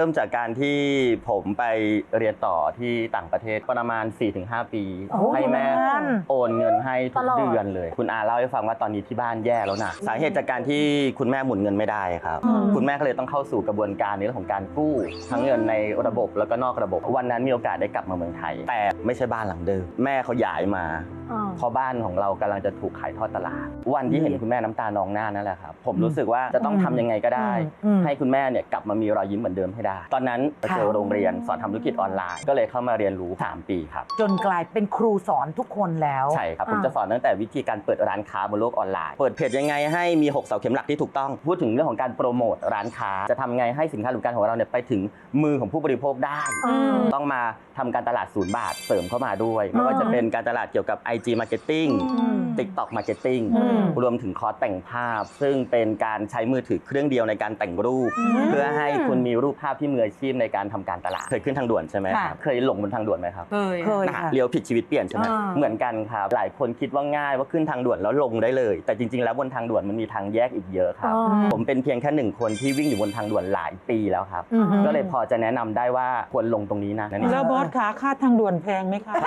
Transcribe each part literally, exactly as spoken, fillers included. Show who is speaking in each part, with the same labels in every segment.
Speaker 1: ริ่มจากการที่ผมไปเรียนต่อที่ต่างประเทศประมาณ สี่ถึงห้า ปีให้แม่โอนเงินให้ทุกเดือนเลยคุณอาเล่าให้ฟังว่าตอนนี้ที่บ้านแย่แล้วนะสาเหตุจากการที่คุณแม่หมุนเงินไม่ได้ครับคุณแม่ก็เลยต้องเข้าสู่กระบวนการในเรื่องของการกู้ทั้งเงินในระบบแล้วก็นอกระบบวันนั้นมีโอกาสได้กลับมาเมืองไทยแต่ไม่ใช่บ้านหลังเดิมแม่เขาย้ายมาพอบ้านของเรากำลังจะถูกขายทอดตลาดวันที่เห็นคุณแม่น้ำตานองหน้านั่นแหละครับผมรู้สึกว่าจะต้องทำยังไงก็ได้ให้คุณแม่เนี่ยกลับมามีรอยยิ้มเหมือนเดิมให้ได้ตอนนั้นไปเจอโรงเรียนสอนทำธุรกิจออนไลน์ก็เลยเข้ามาเรียนรู้สามปีครับ
Speaker 2: จนกลายเป็นครูสอนทุกคนแล้ว
Speaker 1: ใช่ครับผมจะสอนตั้งแต่วิธีการเปิดร้านค้าบนโลกออนไลน์เปิดเพจยังไงให้มีหกเสาเข็มหลักที่ถูกต้องพูดถึงเรื่องของการโปรโมทร้านค้าจะทำไงให้สินค้าหรือบริการของเราเนี่ยไปถึงมือของผู้บริโภคได้ต้องมาทำการตลาดศูนย์บาทเสริมเข้ามาด้วยไม่ว่าจะเป็นการตลาดเกี่ยวกับ ไอ จี Marketing TikTok Marketing รวมถึงคอร์สแต่งภาพซึ่งเป็นการใช้มือถือเครื่องเดียวในการแต่งรูปเพื่อให้คุณมีรูปภาพที่มืออาชีพในการทำการตลาดเคยขึ้นทางด่วนใช่ไหมครับเคยหลงบนทางด่วนไหมครับ
Speaker 2: เคยเคย
Speaker 1: เลี้ยวผิดชีวิตเปลี่ยนใช่ไหมเหมือนกันครับหลายคนคิดว่าง่ายว่าขึ้นทางด่วนแล้วลงได้เลยแต่จริงๆแล้วบนทางด่วนมันมีทางแยกอีกเยอะครับผมเป็นเพียงแค่หนึ่งคนที่วิ่งอยู่บนทางด่วนหลายปีแล้วครับก็เลยพอจะแนะนำได้ว่าควรลงตรงนี้นะ
Speaker 3: แล้วบอสขาค่าทางด่วนแพงไหมคะ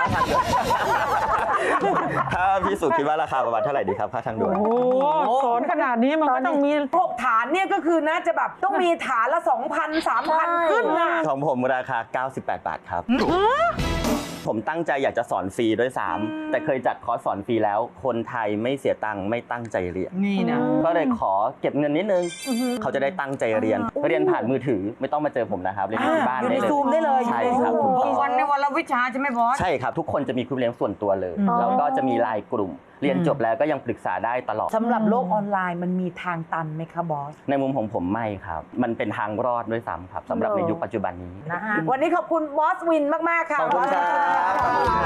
Speaker 1: ถ้าพี่สุคิดว่าราคาประมาณเท่าไหร่ดีครับค่าทางด่วน
Speaker 3: โอ้สอนขนาดนี้มันก็ต้องมี
Speaker 2: พวกฐานเนี่ยก็คือน่าจะแบบต้องมีฐานละ สองพัน สามพัน ขึ้นนะ
Speaker 1: ของผมราคาเก้าสิบแปดบาทครับผมตั้งใจอยากจะสอนฟรีด้วยซ้ำแต่เคยจัดคอร์สสอนฟรีแล้วคนไทยไม่เสียตังค์ไม่ตั้งใจเรียน
Speaker 2: นี่นะ
Speaker 1: ก็เลยขอเก็บเงินนิดนึงเขาจะได้ตั้งใจเรียนเรียนผ่านมือถือไม่ต้องมาเจอผมนะครับเรียนที่บ้านได้เลย
Speaker 2: ซูมได้เลย
Speaker 1: ใช่ครับ
Speaker 2: วันในวันละวิชาใช่ไหมบอส
Speaker 1: ใช่ครับทุกคนจะมีครูเลี้ยงส่วนตัวเลยแล้วก็จะมีไลน์กลุ่มเรียนจบแล้วก็ยังปรึกษาได้ตลอด
Speaker 2: สำหรับโลกออนไลน์มันมีทางตันไหมคะบอส
Speaker 1: ในมุมของผมไม่ครับมันเป็นทางรอดด้วยซ้ำครับสำหรับในยุคปัจจุบันนี้
Speaker 2: นะฮะวันนี้ขอบคุณบอสวินมากๆค่ะ
Speaker 1: ขอบคุณครับ